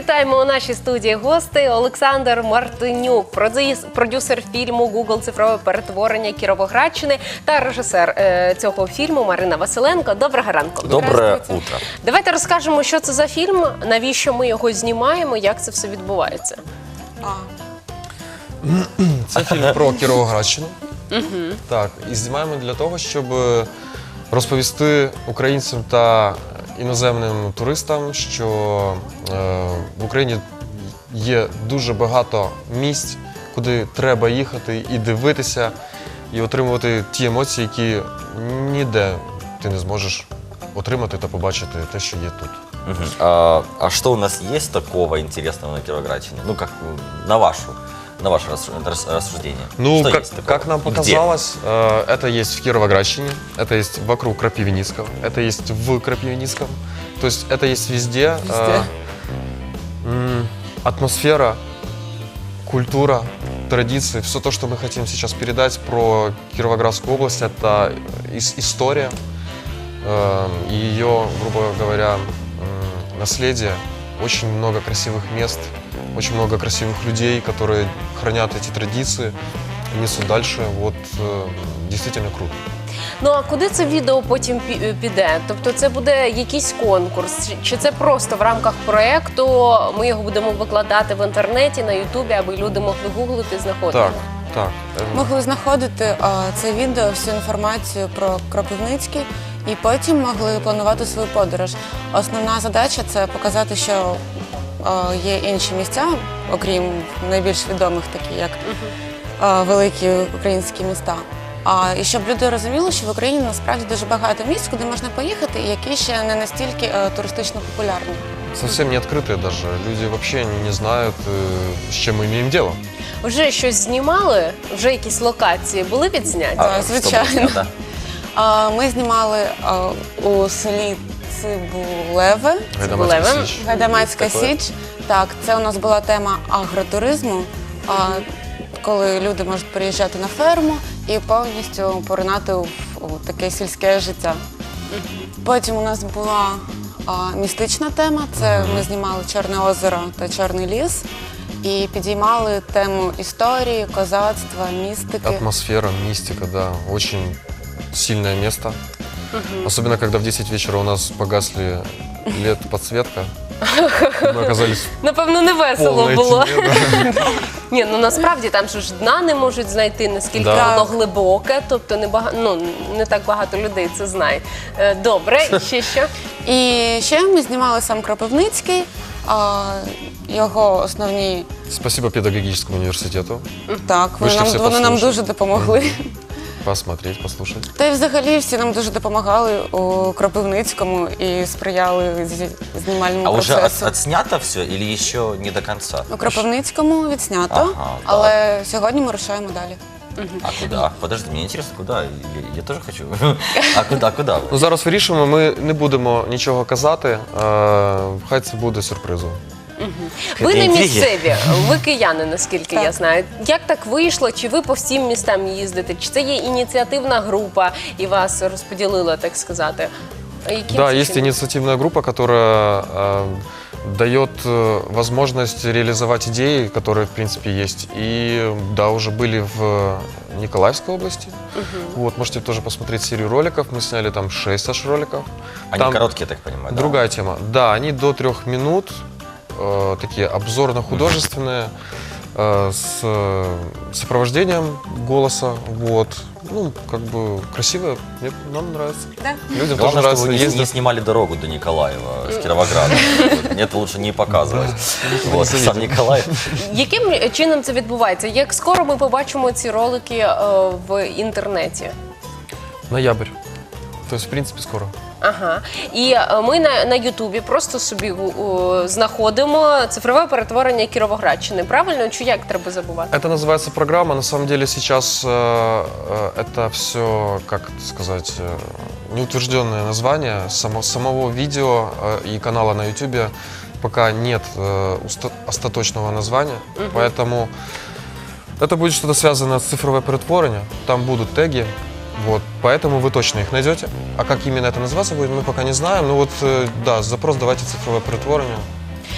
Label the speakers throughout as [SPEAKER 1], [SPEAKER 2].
[SPEAKER 1] вітаємо у нашій студії гостей. Олександр Мартинюк, продюсер фільму «Гугл. Цифрове перетворення Кіровоградщини» та режисер цього фільму Марина Василенко. Доброго ранку.
[SPEAKER 2] Доброе утро.
[SPEAKER 1] Давайте розкажемо, що це за фільм, навіщо ми його знімаємо, як це все відбувається.
[SPEAKER 3] Це фільм про Кіровоградщину. Так, і знімаємо для того, щоб розповісти українцям та іноземним туристам, що в Україні є дуже багато місць, куди треба їхати і дивитися, і отримувати ті емоції, які ніде ти не зможеш отримати та побачити те, що є тут.
[SPEAKER 2] А что у нас есть такого интересного на Кировоградщине? Ну, как на ваше рассуждение.
[SPEAKER 3] Ну,
[SPEAKER 2] Что есть такого?
[SPEAKER 3] как нам
[SPEAKER 2] И где?
[SPEAKER 3] показалось, это есть в Кировоградщине, это есть вокруг Крапивницкого, это есть в Крапивницком. То есть это есть везде. Атмосфера, культура, традиции, все то, что мы хотим сейчас передать про Кировоградскую область, это история и ее, грубо говоря, наследие. Очень много красивых мест, очень много красивых людей, которые хранят эти традиции, несут дальше. Вот действительно круто.
[SPEAKER 1] Ну, а куди це відео потім піде? Тобто це буде якийсь конкурс? Чи це просто в рамках проєкту ми його будемо викладати в інтернеті, на Ютубі, аби люди могли гуглити і знаходити?
[SPEAKER 3] Так.
[SPEAKER 4] Могли знаходити це відео, всю інформацію про Кропивницький і потім могли планувати свою подорож. Основна задача – це показати, що є інші місця, окрім найбільш відомих, такі як великі українські міста. І щоб люди розуміли, що в Україні насправді дуже багато місць, куди можна поїхати, і які ще не настільки туристично популярні.
[SPEAKER 3] Совсем не открытые даже. Люди вообще не знают, с чем мы имеем дело.
[SPEAKER 1] Вже щось знімали? Вже якісь локації були відзняті?
[SPEAKER 2] Что было
[SPEAKER 4] звичайно.
[SPEAKER 2] снято?
[SPEAKER 4] Ми знімали у селі Цибулеве.
[SPEAKER 3] Гайдамацька Січ.
[SPEAKER 4] Гайдамацька
[SPEAKER 2] Є таке?
[SPEAKER 4] Січ. Так, це у нас була тема агротуризму, коли люди можуть приїжджати на ферму і повністю поринати у таке сільське життя. Потім у нас була містична тема, це ми знімали Чорне озеро та Чорний ліс і підіймали тему історії, козацтва, містики.
[SPEAKER 3] Атмосфера, мистика, да. Очень сильное место. Особенно, когда в 10 вечера у нас погасли LED-подсветка. Мы оказались
[SPEAKER 1] Напевно, не
[SPEAKER 3] в
[SPEAKER 1] весело
[SPEAKER 3] полной
[SPEAKER 1] було.
[SPEAKER 3] тьме, да.
[SPEAKER 1] Ні, ну насправді там ж дна не можуть знайти, наскільки
[SPEAKER 3] Да.
[SPEAKER 1] воно глибоке, тобто не так багато людей це знає. Добре, і ще що?
[SPEAKER 4] І ще ми знімали сам Кропивницький, його основні.
[SPEAKER 3] Спасибо педагогическому университету.
[SPEAKER 4] Так,
[SPEAKER 3] Вийшли всі
[SPEAKER 4] вони нам
[SPEAKER 3] послухати.
[SPEAKER 4] дуже допомогли.
[SPEAKER 3] Посмотреть, послушать.
[SPEAKER 4] Та й взагалі всі нам дуже допомагали у Кропивницькому і сприяли знімальному
[SPEAKER 2] А уже
[SPEAKER 4] процесу.
[SPEAKER 2] отснято все или еще не до конца?
[SPEAKER 4] У Кропивницькому відснято,
[SPEAKER 2] Ага,
[SPEAKER 4] але сьогодні ми рушаємо далі.
[SPEAKER 2] А куда? Подожди, мне интересно, куда? Я тоже хочу. А куда?
[SPEAKER 3] Ну, зараз вирішуємо, ми не будемо нічого казати, хай це буде сюрпризом.
[SPEAKER 1] Ви не
[SPEAKER 2] Інтриги.
[SPEAKER 1] місцеві, ви кияни, наскільки я знаю. Як так вийшло? Чи ви по всім містам їздите? Чи це є ініціативна група і вас розподілила, так сказати? Яким
[SPEAKER 3] Да,
[SPEAKER 1] це
[SPEAKER 3] есть
[SPEAKER 1] чином?
[SPEAKER 3] инициативная группа, которая дает возможность реализовать идеи, которые, в принципе, есть. И, да, уже были в Николаевской области. Вот, можете тоже посмотреть серию роликов. Мы сняли там 6 аж роликов.
[SPEAKER 2] Они
[SPEAKER 3] Там
[SPEAKER 2] короткие, я так понимаю, да?
[SPEAKER 3] другая тема. Да, они до 3 минут, такие обзорно-художественные, с сопровождением голоса. Вот. Ну, как бы красиво, нам нравится.
[SPEAKER 4] Да.
[SPEAKER 3] Людям тоже
[SPEAKER 2] Главное,
[SPEAKER 3] нравится
[SPEAKER 2] чтобы вы не
[SPEAKER 3] ездить.
[SPEAKER 2] снимали дорогу до Николаева с Кировограда. Это лучше не показывать. Вот, сам Николаев.
[SPEAKER 1] Яким чином це відбувається? Як скоро ми побачимо ці ролики в інтернеті?
[SPEAKER 3] Ноябрь. То есть, в принципе, скоро.
[SPEAKER 1] Ага. І ми на Ютубі просто собі знаходимо цифрове перетворення Кіровоградщини. Правильно? Чи як треба забувати?
[SPEAKER 3] Это называется программа. На самом деле сейчас это все, как это сказать, неутвержденное название. Самого видео и канала на Ютубе пока нет остаточного названия. Поэтому это будет что-то связано с цифровое перетворение. Там будут теги. Вот, поэтому вы точно их найдете. А как именно это называться будет, мы пока не знаем. Ну вот, да, запрос давайте цифровое перетворение.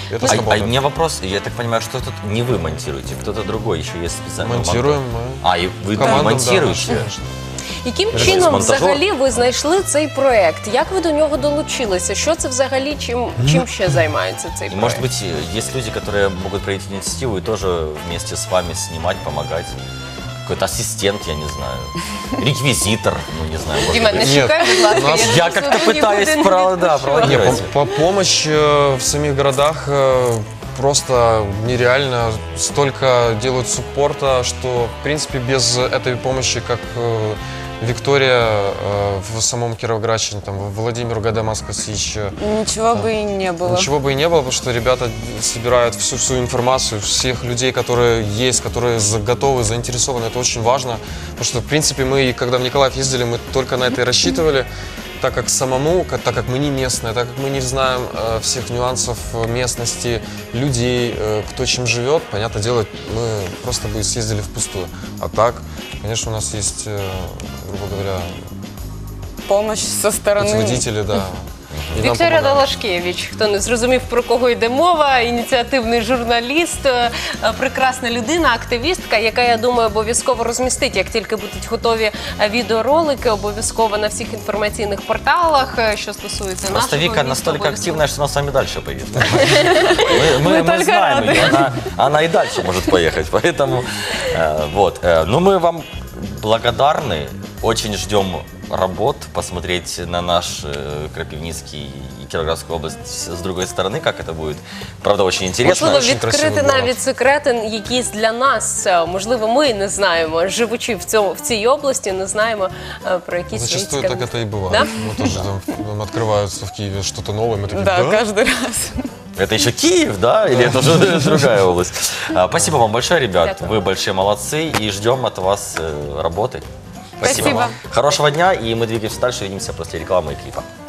[SPEAKER 3] Это
[SPEAKER 2] А
[SPEAKER 3] сработает.
[SPEAKER 2] у меня вопрос, я так понимаю, что тут не вы монтируете, кто-то другой, еще есть специальный
[SPEAKER 3] Монтируем
[SPEAKER 2] монтаж.
[SPEAKER 3] мы.
[SPEAKER 2] А, и вы
[SPEAKER 3] Командам, да,
[SPEAKER 2] монтируете?
[SPEAKER 3] конечно.
[SPEAKER 1] Яким
[SPEAKER 2] Тобто
[SPEAKER 1] чином
[SPEAKER 2] монтажер?
[SPEAKER 1] взагалі ви знайшли цей проект? Як ви до нього долучилися? Що це взагалі, чим ще займається цей
[SPEAKER 2] И,
[SPEAKER 1] проект?
[SPEAKER 2] может быть, есть люди, которые могут проявить инициативу и тоже вместе с вами снимать, помогать. Какой-то ассистент, я не знаю, реквизитор, ну не знаю, может
[SPEAKER 1] Діма,
[SPEAKER 2] быть.
[SPEAKER 1] не
[SPEAKER 3] Нет,
[SPEAKER 1] шукай, будь ласка,
[SPEAKER 3] у нас-
[SPEAKER 2] Я как-то пытаюсь проводить.
[SPEAKER 3] Не, помощь в самих городах просто нереально. Столько делают суппорта, что, в принципе, без этой помощи, как Виктория в самом Кировоградщине, там, Владимир Гадамаскасич,
[SPEAKER 4] Нічого би і не було.
[SPEAKER 3] ничего бы и не было, потому что ребята собирают всю информацию, всех людей, которые есть, которые готовы, заинтересованы. Это очень важно, потому что, в принципе, мы, когда в Николаев ездили, мы только на это и рассчитывали, так как самому, так как мы не местные, так как мы не знаем всех нюансов местности, людей, кто чем живет, понятное дело, мы просто бы съездили впустую. А так, конечно, у нас есть, грубо говоря,
[SPEAKER 4] Помощь со сторони.
[SPEAKER 3] путеводители, да. И нам
[SPEAKER 1] Вікторія
[SPEAKER 3] помогают.
[SPEAKER 1] Далашкевич, хто не зрозумів, про кого йде мова, ініціативний журналіст, прекрасна людина, активістка, яка, я думаю, обов'язково розмістить, як тільки будуть готові відеоролики, обов'язково на всіх інформаційних порталах, що стосується нашого
[SPEAKER 2] Просто Вика
[SPEAKER 1] міста,
[SPEAKER 2] настолько
[SPEAKER 1] обов'язково.
[SPEAKER 2] активная, что она с вами дальше поедет. Мы
[SPEAKER 1] только
[SPEAKER 2] знаем
[SPEAKER 1] рады.
[SPEAKER 2] ее, она и дальше может поехать. Поэтому, вот. Ну, мы вам благодарны, очень ждем работ, посмотреть на наш Крапивницкий и Кировоградскую область с другой стороны, как это будет. Правда, очень интересно.
[SPEAKER 1] Можливо,
[SPEAKER 3] Очень
[SPEAKER 1] відкрити
[SPEAKER 3] красивий город.
[SPEAKER 1] навіть секрети якісь для нас. Можливо, ми не знаємо, живучи в цій області, не знаємо про якісь
[SPEAKER 3] Зачастую
[SPEAKER 1] цікаві-
[SPEAKER 3] так это и бывает.
[SPEAKER 1] Да?
[SPEAKER 3] Мы тоже там открываются в Киеве что-то новое, мы такие,
[SPEAKER 4] Да,
[SPEAKER 3] да?
[SPEAKER 4] кожен раз.
[SPEAKER 2] Это еще Киев, да? Или это уже другая область? Спасибо вам большое, ребят.
[SPEAKER 1] Дякую.
[SPEAKER 2] Вы большие молодцы и ждем от вас работы.
[SPEAKER 4] Спасибо.
[SPEAKER 2] Хорошего дня, и мы двигаемся дальше. Увидимся после рекламы и клипа.